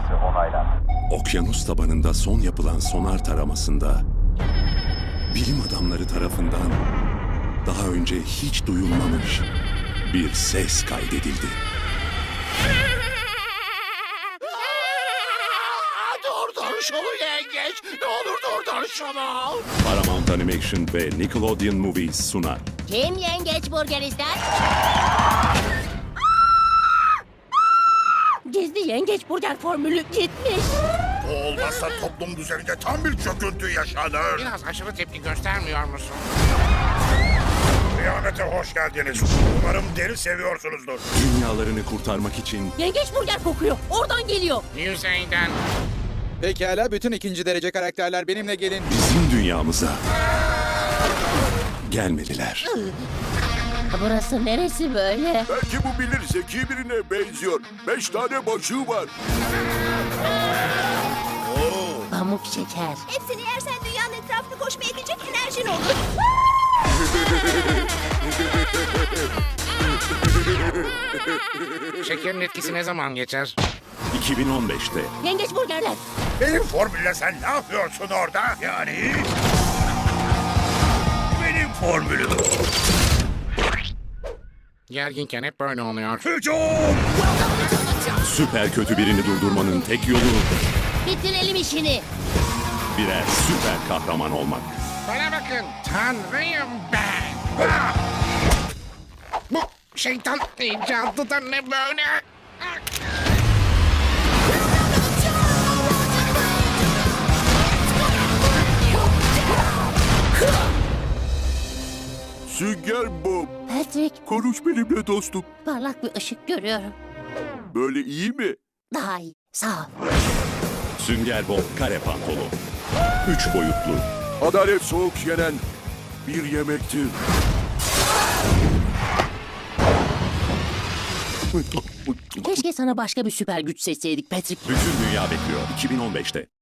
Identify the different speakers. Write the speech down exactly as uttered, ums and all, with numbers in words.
Speaker 1: edilmesi onaylandı.
Speaker 2: Okyanus tabanında son yapılan sonar taramasında bilim adamları tarafından daha önce hiç duyulmamış bir ses kaydedildi.
Speaker 3: Durdur şunu yengeç. Ne olur durdur şunu.
Speaker 2: Paramount Animation ve Nickelodeon Movies sunar.
Speaker 4: Kim yengeç burger ister? Gizli yengeç burger formülü gitmiş.
Speaker 3: Bu olmazsa toplum düzeninde tam bir çöküntü yaşanır.
Speaker 5: Biraz aşırı tepki göstermiyor musun?
Speaker 3: Kıyamete hoş geldiniz. Umarım deri seviyorsunuzdur.
Speaker 2: Dünyalarını kurtarmak için
Speaker 4: Yengeç burger kokuyor. Oradan geliyor.
Speaker 5: Yüzeyden.
Speaker 6: Pekala, bütün ikinci derece karakterler benimle gelin.
Speaker 2: bizim dünyamıza gelmediler.
Speaker 4: Burası neresi böyle?
Speaker 3: Belki bu bilir, zeki birine benziyor. Beş tane başı var.
Speaker 4: Pamuk şeker.
Speaker 7: Hepsini yersen dünyanın etrafını koşmaya yetecek enerjin olur.
Speaker 5: Şekerin etkisi ne zaman geçer?
Speaker 2: iki bin on beşte
Speaker 4: Yengeç burgerler.
Speaker 3: Benim formülle sen ne yapıyorsun orada? Yani... Benim formülüm.
Speaker 5: Gerginken hep böyle oluyor.
Speaker 3: Hücum!
Speaker 2: süper kötü birini durdurmanın tek yolu
Speaker 4: Bitirelim işini.
Speaker 2: birer süper kahraman olmak.
Speaker 5: Bana bakın, Tanrıyım ben. Ah! Bu şeytan icadı da ne böyle? Ah!
Speaker 3: Sünger Bob,
Speaker 4: Patrick,
Speaker 3: konuş benimle dostum.
Speaker 4: parlak bir ışık görüyorum.
Speaker 3: Böyle iyi mi?
Speaker 4: Daha iyi. Sağ ol.
Speaker 2: Sünger Bob kare pantolon. Üç boyutlu.
Speaker 3: Adalet soğuk yenen bir yemektir.
Speaker 4: Keşke sana başka bir süper güç seçseydik Patrick.
Speaker 2: Bütün dünya bekliyor iki bin on beşte.